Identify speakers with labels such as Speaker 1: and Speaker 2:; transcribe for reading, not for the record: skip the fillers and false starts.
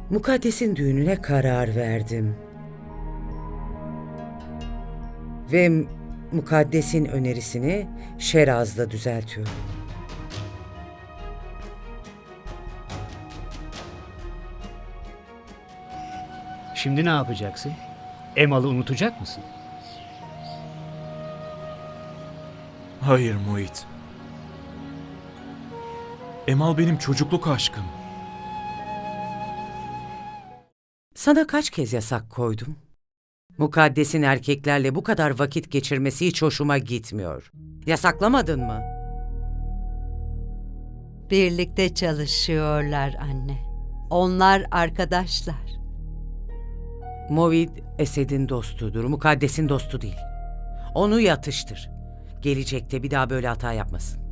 Speaker 1: Mukaddes'in düğününe karar verdim. Ve Mukaddes'in önerisini Şeraz'da düzeltiyorum.
Speaker 2: Şimdi ne yapacaksın? Emal'ı unutacak mısın?
Speaker 3: Hayır Muhit. Emal benim çocukluk aşkım.
Speaker 1: Sana kaç kez yasak koydum? Mukaddes'in erkeklerle bu kadar vakit geçirmesi hiç hoşuma gitmiyor. Yasaklamadın mı?
Speaker 4: Birlikte çalışıyorlar anne. Onlar arkadaşlar.
Speaker 1: Movid Esed'in dostudur, Mukaddes'in dostu değil. Onu yatıştır. Gelecekte bir daha böyle hata yapmasın.